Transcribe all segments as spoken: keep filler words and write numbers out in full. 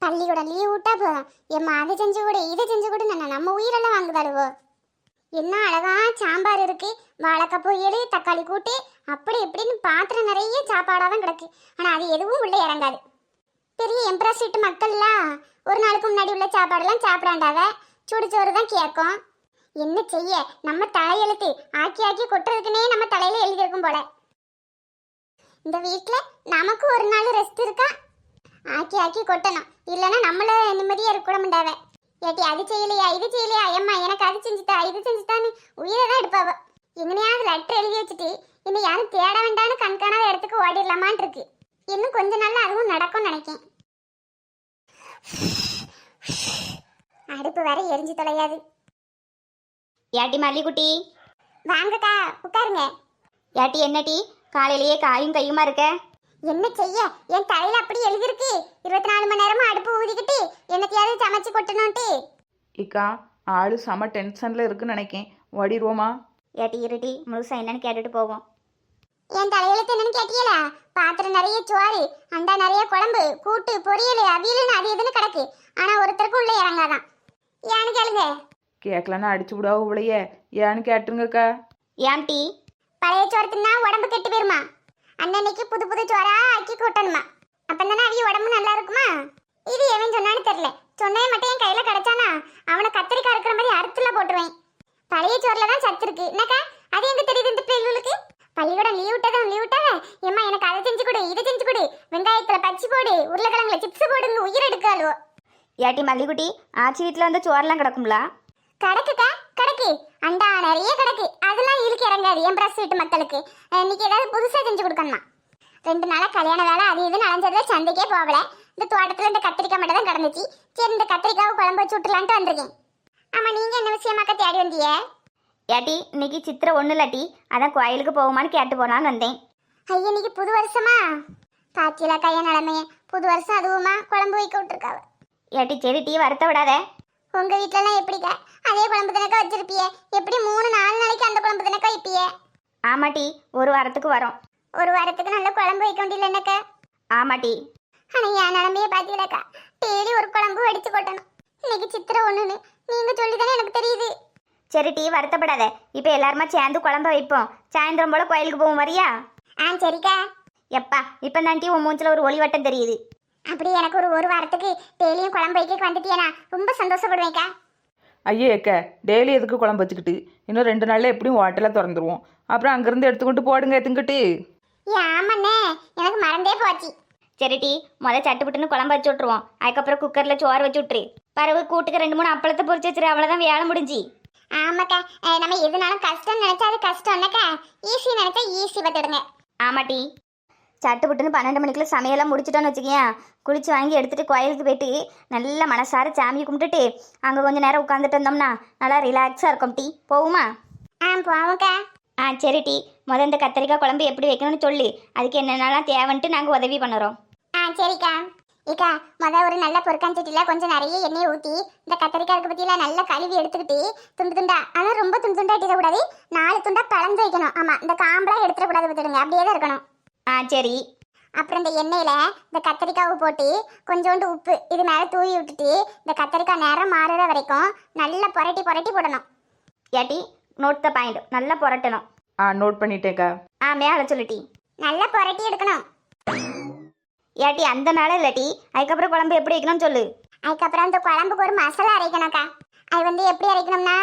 பள்ளிக்கூடம் லீவ் விட்டா போதும் எம்மா அதை செஞ்சு கொடு இதை செஞ்சு கொடு நான் நம்ம உயிரெல்லாம் வாங்குதாளுவோ. என்ன அழகா சாம்பார் இருக்கு, வாழைக்காய் பொரியல், தக்காளி கூட்டு, அப்படி இப்படின்னு பாத்திரம் நிறைய சாப்பாடாக தான் கிடக்கு. ஆனால் அது எதுவும் உள்ளே இறங்காது. பெரிய எம்ப்ரஸ் வீட்டு மக்கள்லாம் ஒரு நாளுக்கு முன்னாடி உள்ள சாப்பாடெல்லாம் சாப்பிடாண்டாவ, சுடுச்சோறு தான் கேட்கும். என்ன செய்ய, நம்ம தலையெழுத்து ஆக்கி ஆக்கி கொட்டுறதுக்குன்னே நம்ம தலையில எழுதியிருக்கும் போல. இந்த வீட்டில் நமக்கு ஒரு நாள் ரெஸ்ட் இருக்கா? ஆக்கி ஆக்கி கொட்டணும், இல்லைன்னா நம்மள நிம்மதியாக இருக்க மாட்டாவ. ஏட்டி அது செய்யலையா இது செய்யலையா, அம்மா எனக்கு அது செஞ்சுட்டா இது செஞ்சுட்டான்னு உயிரை தான் எடுப்பாவ. எங்கனையாவது லெட்டர் எழுதி வச்சுட்டு இன்னும் யாரும் தேட வேண்டான்னு கண்காணாத இடத்துக்கு ஓடிடலாமான் இருக்கு. இன்னும் கொஞ்ச நாள்ல அதுவும் நடக்கும்னு நினைக்கேன். அடுப்பு வேற எரிஞ்சு தொலையாது. ஏட்டி மல்லிக்குட்டி, வாங்கக்கா உட்காருங்க. ஏட்டி என்னட்டி காலையிலேயே காயும் கையுமா இருக்க? என்ன செய்ய, என் தலையில அப்படி எழுதிருக்கு, இருபத்தி நாலு மணி நேரமும் அடுப்பு ஊதிக்கிட்டு என்னத்தையாவது சமைச்சு கொட்டணும்ட்டு. இக்கா ஆளு செம டென்ஷன்ல இருக்குன்னு நினைக்கேன், ஓடிடுவோமா? ஏட்டி இருட்டி முழுசா என்னன்னு கேட்டுட்டு போவோம். என் தலையெழுத்து என்னன்னு கேட்டியலா? பாத்திரம் நிறைய சோறு, அண்டா நிறைய குழம்பு, கூட்டு, பொரியல், அவியல்னு அது இதுன்னு கிடக்கு. ஆனா ஒருத்தருக்கும் உள்ள இறங்காதான். ஏன்னு கேளுங்க. கேட்கலன்னா அடிச்சு விடாவோ இவளையே, ஏன்னு கேட்டுருங்கக்கா. ஏன்டி? பழைய சோறு தின்னா உடம்பு கெட்டு போயிருமா, அன்னன்னைக்கு புது புது சோறா ஆக்கி கூட்டணுமா, அப்பந்தானே அவிய உடம்பு நல்லா இருக்குமா. இது எவன் சொன்னான்னு தெரியல, சொன்னே மட்டும் என் கையில கிடைச்சானா அவனை கத்திரிக்காய் இருக்கிற மாதிரி அறுத்துல போட்டுருவேன். பழைய சோறுல தான் சத்து இருக்கு என்னக்கா, அது எங்க தெரியுது இந்த பிள்ளைகளுக்கு? பள்ளிக்கூடம் லீவ் விட்டதும் லீவ் விட்டாவ, ஏம்மா எனக்கு அதை செஞ்சு கொடு இதை செஞ்சு கொடு, வெங்காயத்துல பச்சி போடு, உருளைக்கிழங்குல சிப்ஸ் போடுங்க, உயிர் எடுக்காளுவோ. ஏட்டி மல்லிக்குட்டி ஆச்சி வீட்டில் வந்து சோறெல்லாம் கிடக்கும்லா? கிடக்குக்கா கிடக்கு, அண்டா நிறைய கிடக்கு. அதெல்லாம் இழுக்க இறங்காது என் பிரஸ் வீட்டு மக்களுக்கு. இன்னைக்கு ஏதாவது புதுசாக செஞ்சு கொடுக்கணுமா. ரெண்டு நாளாக கல்யாண வேலை அது இதுன்னு அலைஞ்சதுல சந்தைக்கே போகல. இந்த தோட்டத்தில் இந்த கத்திரிக்காய் மட்டும் தான் கிடந்துச்சு. சரி இந்த கத்திரிக்காவை குழம்பு வச்சு விட்டுலான்ட்டு வந்திருக்கேன். ஆமாம் நீங்கள் என்ன விஷயமாக்கா தேடி வந்திய? ஏட்டி இன்னைக்கு சித்திரை ஒன்றும் இல்லாட்டி அதான் கோயிலுக்கு போகுமான்னு கேட்டு போனான்னு வந்தேன். ஐயா இன்னைக்கு புது வருஷமா பாத்தியலா கைய நிலமைய, புது வருஷம் அதுவுமா குழம்பு வைக்க விட்டுருக்காவ. ஏட்டி சரி டீ வருத்த விடாத. உங்க வீட்டிலலாம் எப்படிக்கா அதே குழம்பு தினக்கா வச்சிருப்பியே? எப்படி மூணு நாலு நாளைக்கு அந்த குழம்பு தினக்கா வைப்பியே? ஆமாட்டி ஒரு வாரத்துக்கு வரோம். ஒரு வாரத்துக்கு நல்ல குழம்பு வைக்க முடியல என்னக்கா? ஆமாட்டி. ஆனால் என் நிலமையே பார்த்தீங்களாக்கா, டெய்லி ஒரு குழம்பு வடிச்சு கொட்டணும். இன்னைக்கு சித்திரை ஒன்றுன்னு நீங்கள் சொல்லி தானே எனக்கு தெரியுது. சரி டீ வருத்தப்படாத, இப்போ எல்லாருமா சேர்ந்து குழம்ப வைப்போம். சாயந்தரம் போல் கோயிலுக்கு போவோம் வரியா? ஆ சரிக்கா. எப்பா இப்போ தான் டீ உன் மூஞ்சில் ஒரு ஒளி வட்டம் தெரியுது. அப்படி எனக்கு ஒரு ஒரு வாரத்துக்கு டெய்லியும் குழம்பு வைக்க வந்துட்டியேனா ரொம்ப சந்தோஷப்படுவேன்க்கா. ஐயே அக்கா, டெய்லி எதுக்கு குழம்பு வச்சுக்கிட்டு, இன்னும் ரெண்டு நாளில் எப்படியும் ஹோட்டலாக திறந்துருவோம். அப்புறம் அங்கேருந்து எடுத்துக்கிட்டு போடுங்க எத்துங்கிட்டு. ஆமாண்ணே எனக்கு மறந்தே போச்சு. சரி டீ முத சட்டுப்புட்டுன்னு குழம்பு வச்சு விட்ருவோம். அதுக்கப்புறம் குக்கரில் சோறு வச்சு விட்ரு. பறவை கூட்டுக்கு ரெண்டு மூணு அப்பளத்தை பொரிச்சு வச்சுரு, அவ்வளோதான் வேலை முடிஞ்சு. ஆமாக்கா, நம்ம எதுனாலும் கஷ்டம் நினைச்சா அது கஷ்டம்னாக்கா, ஈஸி நினைச்சா ஈஸி பார்த்துடுங்க. ஆமாட்டி. சட்டுப்புட்டுன்னு பன்னெண்டு மணிக்குள்ள சமையலாம் முடிச்சிட்டோன்னு வச்சுக்கேன், குளிச்சு வாங்கி எடுத்துகிட்டு கோயிலுக்கு போயிட்டு நல்லா மனசார சாமி கும்பிட்டுட்டு அங்கே கொஞ்சம் நேரம் உட்காந்துட்டு இருந்தோம்னா நல்லா ரிலாக்ஸாக இருக்கும். டீ போகுமா? ஆ போவோம்க்கா. ஆ சரி டீ முத இந்த கத்திரிக்காய் குழம்பு எப்படி வைக்கணும்னு சொல்லி அதுக்கு என்னென்னலாம் தேவைன்ட்டு நாங்கள் உதவி பண்ணுறோம். ஆ சரிக்கா. ஏக்கா மொதல் ஒரு நல்ல பொருக்காஞ்சட்டியில் கொஞ்சம் நிறைய எண்ணெயை ஊற்றி இந்த கத்திரிக்காய்க்கு பற்றியில் நல்லா கழுவி எடுத்துக்கிட்டு துண்டு துண்டா, ஆனால் ரொம்ப துண்டு துண்டா எடுத்துக்கூடாது, நாலு துண்டா பிளந்து வைக்கணும். ஆமாம் இந்த காம்பெலாம் எடுத்துடக்கூடாது, விட்டுடுங்க, அப்படியே தான் இருக்கணும். ஆ சரி. அப்புறம் இந்த எண்ணெயில் இந்த கத்திரிக்காவை போட்டு கொஞ்சோண்டு உப்பு இது மேலே தூவி விட்டுட்டு இந்த கத்திரிக்காய் நேரம் மாறுற வரைக்கும் நல்லா புரட்டி புரட்டி போடணும். ஏட்டி நோட் த பாயிண்ட், நல்லா புரட்டணும். ஆ நோட் பண்ணிட்டேக்கா. ஆ மேலே சொல்லிட்டி. நல்லா புரட்டி எடுக்கணும். ஏட்டி அந்த மேலே இல்லாட்டி அதுக்கப்புறம் குழம்பு எப்படி வைக்கணும்னு சொல்லு. அதுக்கப்புறம் இந்த குழம்புக்கு ஒரு மசாலா அரைக்கணும்க்கா. அது வந்து எப்படி அரைக்கணும்னா,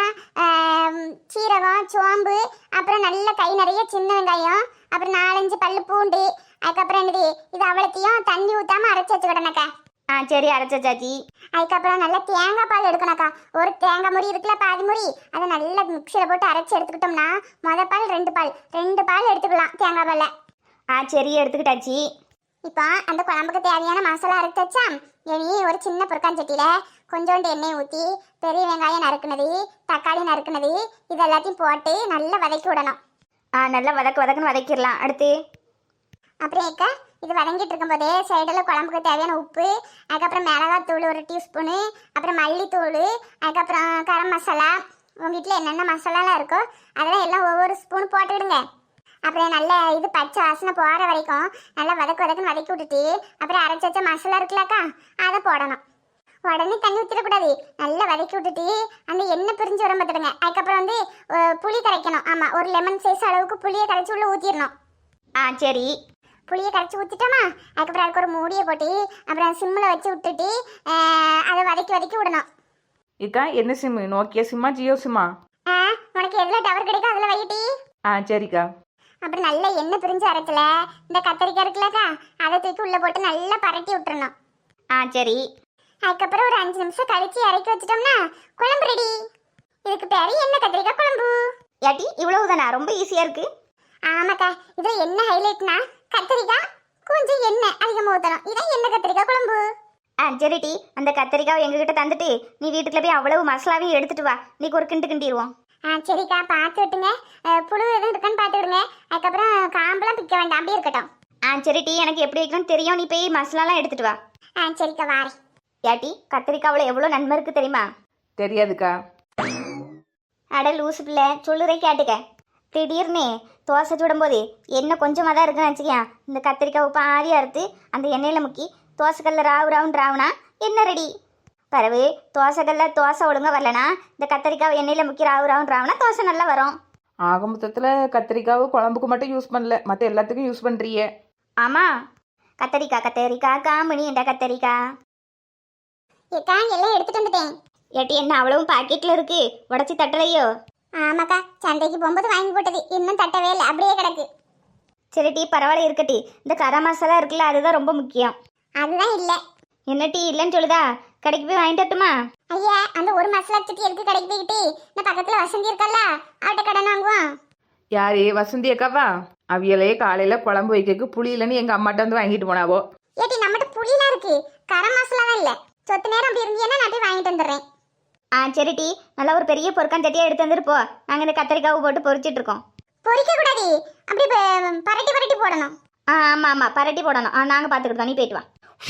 சீரகம், சோம்பு, அப்புறம் நல்ல கை நிறைய சின்ன வெங்காயம், அப்புறம் நாலஞ்சு பல்லு பூண்டு, அதுக்கப்புறம் என்னது இது அவ்வளோத்தையும் தண்ணி ஊற்றாமல் அரைச்சி வச்சுக்கிடணுக்கா. ஆ சரி அரைச்ச சாச்சி. அதுக்கப்புறம் நல்லா தேங்காய் பால் எடுக்கணும்க்கா. ஒரு தேங்காய் முறி இருக்குல்ல, பாதி முறி, அதை நல்லா மிக்சியில் போட்டு அரைச்சி எடுத்துக்கிட்டோம்னா மொதல் பால் ரெண்டு பால் ரெண்டு பால் எடுத்துக்கலாம் தேங்காய் பாலில். ஆ சரி எடுத்துக்கிட்டாச்சி. இப்போ அந்த குழம்புக்கு தேவையான மசாலா அரைச்சி வச்சா இனி ஒரு சின்ன பொருக்காஞ்சட்டியில் கொஞ்சோண்டு எண்ணெய் ஊற்றி பெரிய வெங்காயம் நறுக்குனது, தக்காளி நறுக்குனது, இது எல்லாத்தையும் போட்டு நல்லா வதக்கி விடணும். ஆ நல்லா வதக்க வதக்குன்னு வதக்கிடலாம். அடுத்து அப்புறம் ஏக்க இது வதங்கிட்டு இருக்கும்போதே சைடில் குழம்புக்கு தேவையான உப்பு, அதுக்கப்புறம் மிளகாத்தூள் ஒரு டீஸ்பூனு, அப்புறம் மல்லித்தூள், அதுக்கப்புறம் கரம் மசாலா, உங்கள் வீட்டில் என்னென்ன மசாலாலாம் இருக்கோ அதெல்லாம் எல்லாம் ஒவ்வொரு ஸ்பூன் போட்டுவிடுங்க. அப்புறம் நல்ல இது பச்சை வாசனை போற வரைக்கும் நல்லா வதக்கு வதக்குன்னு வதக்கி விட்டுட்டு அப்புறம் அரைச்சி வச்ச மசாலா இருக்குல்லக்கா அதை போடணும். உடனே தண்ணி ஊற்றிடக்கூடாது, நல்லா வதக்கி விட்டுட்டு அந்த எண்ணெய் பிரிஞ்சு வர பார்த்துடுங்க. அதுக்கப்புறம் வந்து அஹ், புளி கரைக்கணும். ஆமாம், ஒரு லெமன் சைஸ் அளவுக்கு புளியை கரைச்சி உள்ள ஊற்றிடணும். ஆ சரி. புளியை கரைச்சி ஊற்றிட்டோமா, அதுக்கப்புறம் அதுக்கு ஒரு மூடியை போட்டு அப்புறம் சிம்மில் வச்சு விட்டுட்டு அஹ், அதை வதக்கி வதக்கி விடணும். ஏக்கா என்ன சிம்மு, நோக்கியா சிம்மா ஜியோ சிம்மா? ஆ, உனக்கு எதில் டவர் கிடைக்கும் அதில் வைட்டி. ஆ சரிக்கா. அப்புறம் நல்ல எண்ணெய் பிரிஞ்சு அரைக்கல இந்த கத்திரிக்காய் இருக்குல்லக்கா, அதை தூக்கி உள்ளே போட்டு நல்லா பரட்டி விட்டுறணும். ஆ சரி. அதுக்கப்புறம் ஒரு அஞ்சு நிமிஷம் கழிச்சு இறக்கி வச்சிட்டோம்னா குழம்பு ரெடி. இதுக்கு பேரு என்ன கத்திரிக்காய் குழம்பு. ஏட்டி இவ்வளவுதானா? ரொம்ப ஈஸியாக இருக்கு. ஆமாக்கா, இதில் என்ன ஹைலைட்னா கத்திரிக்காய் கொஞ்சம் எண்ணெய் அதிகமாக ஊற்றணும். இதான் என்ன கத்திரிக்காய் குழம்பு. ஆ சரிட்டி, அந்த கத்திரிக்காவை எங்ககிட்ட தந்துட்டு நீ வீட்டுக்குள்ள போய் அவ்வளவு மசாலாவையும் எடுத்துட்டு வா, நீக்கு ஒரு கிண்டு கிண்டிடுவோம். ஆ சரிக்கா, பார்த்து விட்டுங்க. அஹ், புழு எதுவும் இருக்கான்னு பார்த்து விடுங்க. அதுக்கப்புறம் காம்பெல்லாம் பிக்க வேண்டாம், அப்படியே இருக்கட்டும். ஆ சரிட்டி, எனக்கு எப்படி வைக்கணும்னு தெரியும், நீ போய் மசாலாலாம் எடுத்துட்டு வா. ஆ சரிக்கா, வாரேன். ஏட்டி கத்திரிக்காவில் எவ்வளோ நன்மை இருக்கு தெரியுமா? தெரியாதுக்கா. அட லூசு பிள்ளை, சொல்லுறே கேட்டுக்க. திடீர்னு தோசை சுடும்போது எண்ணெய் கொஞ்சமாக தான் இருக்குன்னு வச்சுக்கேன், இந்த கத்திரிக்காவை பாதி அறுத்து அந்த எண்ணெயில் முக்கி தோசைக்கல்ல ராவு ராவுன்னு ராவுனா என்ன ரெடி. பிறகு தோசைக்கல்ல தோசை ஒழுங்காக வரலனா இந்த கத்திரிக்காவை எண்ணெயில் முக்கி ராவு ராவுன்னு ராவுனா தோசை நல்லா வரும். ஆக மொத்தத்தில் கத்திரிக்காவை குழம்புக்கு மட்டும் யூஸ் பண்ணல, மற்ற எல்லாத்துக்கும் யூஸ் பண்ணுறியே. ஆமாம், கத்தரிக்காய் கத்தரிக்காய் காமணி என்ற கத்தரிக்காய். ஏக்கா, எல்லாம் எடுத்துட்டு வந்துட்டேன். ஏட்டி என்ன அவ்வளவும் பாக்கெட்டில் இருக்கு, உடச்சி தட்டலையோ? ஆமாக்கா, சந்தைக்கு போகும்போது வாங்கி போட்டது, இன்னும் தட்டவே இல்லை, அப்படியே கிடக்கு. சரி டீ பரவாயில்ல இருக்கட்டி, இந்த கரம் மசாலா இருக்குல்ல அதுதான் ரொம்ப முக்கியம். அதுதான் இல்லை. என்ன டீ இல்லைன்னு சொல்லுதா? கடைக்கு போய் வாங்கிட்டு வரட்டுமா? ஐயா, அந்த ஒரு மசாலா சுட்டி எதுக்கு கடைக்கு போய்கிட்டு, இந்த பக்கத்தில் வசந்தி இருக்கல்ல, அவட்ட கடன் வாங்குவோம். யாரு வசந்தி அக்காவா? அவியலே காலையில் குழம்பு வைக்கிறதுக்கு புளி இல்லைன்னு எங்கள் அம்மாட்ட வந்து வாங்கிட்டு போனாவோ. ஏட்டி, நம்மகிட்ட புளிலாம் இருக்கு, கரம் மசாலா தான் இல்லை. சொத்து நேரம் அப்படி இருந்தீங்கன்னா நான் போய் வாங்கிட்டு வந்துடுறேன். ஆ சரி டீ, நல்லா ஒரு பெரிய பொருக்கான் சட்டியாக எடுத்து வந்துருப்போ, நாங்கள் இந்த கத்திரிக்காவை போட்டு பொரிச்சிட்டு இருக்கோம். பொரிக்க கூடாது, அப்படி ப- பரட்டி பரட்டி போடணும். ஆ ஆமாம் ஆமாம், பரட்டி போடணும். ஆ நாங்கள் பார்த்துக்கிட்டோம், நீ போயிட்டு வா.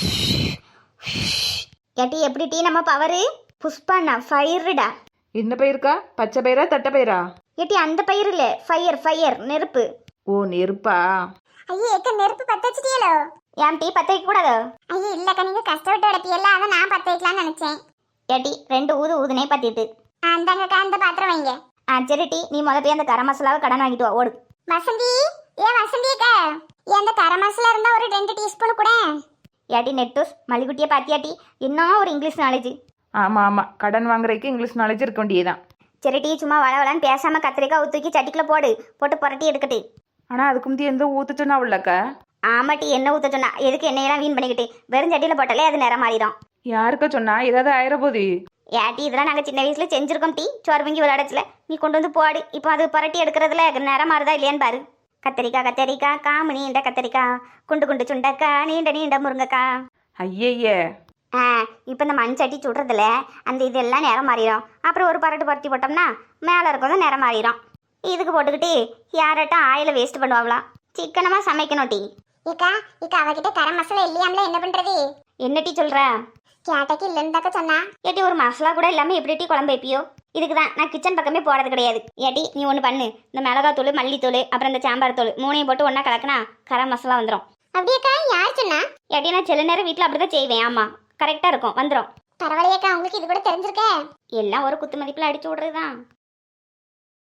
ஏட்டி எப்படி டீ நம்ம பவரு? புஷ்பாண்ணா ஃபயருடா. என்ன பயிருக்கா? பச்சை பயிரா தட்டை பயிரா? ஏட்டி அந்த பயிர் இல்லை, ஃபயர் ஃபயர் நெருப்பு. ஓ நெருப்பா? ஐயே, எக்க நெருப்பு பற்ற வச்சுட்டியலோ? ஏன் டீ பற்ற வைக்க கூடாதோ? ஐயே இல்லக்கா, நீங்க கஷ்டப்பட்டு உடப்பியல்ல, அதை நான் பற்ற வைக்கலாம்னு நினைச்சேன். ஏட்டி ரெண்டு ஊது ஊதுனே பற்றிட்டு. அந்தாங்கக்கா, அந்த பாத்திரம் வைங்க. ஆ சரி டீ, நீ முத போய் அந்த கரம் மசாலாவை கடன் வாங்கிட்டு வா, ஓடு. வசந்தி, ஏ வசந்தி அக்கா, ஏன் அந்த கரம் மசாலா இருந்தா ஒரு ரெண்டு டீஸ்பூன் கூட. ஏட்டி நெட்டூஸ் மல்லிகுட்டியை பாத்தியாட்டி, என்ன ஒரு இங்கிலீஷ் நாலேஜ். ஆமாம் ஆமாம், கடன் வாங்குறதுக்கு இங்கிலீஷ் நாலேஜ் இருக்க வேண்டியதான். சரி டீ, சும்மா வள வளன்னு பேசாமல் கத்திரிக்காய் தூக்கி சட்டிக்குள்ள போடு, போட்டு புரட்டி எடுக்கட்டு. ஆனால் அதுக்கு முந்தைய எந்த ஊற்றுச்சுன்னா உள்ளக்கா? ஆமா டீ, என்ன ஊற்ற சொன்னா? எதுக்கு எண்ணெயெல்லாம் வீண் பண்ணிக்கிட்டு, வெறும் சட்டியில் போட்டாலே அது நிறம் மாறிடும். யாருக்கா சொன்னா? ஏதாவது ஆயிரப்போது. ஏட்டி இதெல்லாம் நாங்கள் சின்ன வயசுல செஞ்சிருக்கோம் டீ, சோறு பொங்கி விளையாடச்சுல. நீ கொண்டு வந்து போடு, இப்போ அது புரட்டி எடுக்கிறதுல நிறம் மாறுதா இல்லையான்னு பாரு. கத்திரிக்காய் கத்திரிக்காய் காமணி நீண்ட கத்திரிக்காய், குண்டு குண்டு சுண்டக்கா நீண்ட நீண்ட முருங்கக்கா. ஐயய்யே. ஆ இப்போ இந்த மண் சட்டி சுடுறதுல அந்த இதெல்லாம் நிறம் மாறிடும். அப்புறம் ஒரு பரட்டு பரட்டி போட்டோம்னா மேலே இருக்கிறதும் நிறம் மாறிடும். இதுக்கு போட்டுக்கிட்டு யார்ட்டும் ஆயில வேஸ்ட் பண்ணுவாங்களாம். சிக்கனமாக சமைக்கணும் டீ. ஏக்கா, இக்கா அவகிட்ட கரம் மசாலா இல்லையாம்ல, என்ன பண்றது? என்ன டீ சொல்கிற? கேட்டக்கு இல்லைன்னு தாக்க சொன்னா. ஏட்டி ஒரு மசாலா கூட இல்லாமல் எப்படி டீ குழம்பு வைப்பியோ? இதுக்கு தான் நான் கிச்சன் பக்கமே போகிறது கிடையாது. ஏட்டி நீ ஒன்று பண்ணு, இந்த மிளகாத்தூள் மல்லித்தூள் அப்புறம் இந்த சாம்பார் தூள் மூணையும் போட்டு ஒன்றா கலக்கினா கரம் மசாலா வந்துடும். அப்படியேக்கா, யார் சொன்னா? ஏட்டி நான் சில நேரம் வீட்டில் அப்படி தான் செய்வேன். ஆமாம் கரெக்டாக இருக்கும், வந்துடும். பரவாயில்லையேக்கா, உங்களுக்கு இது கூட தெரிஞ்சிருக்க. எல்லாம் ஒரு குத்து மதிப்பில் அடிச்சு விட்றது தான்.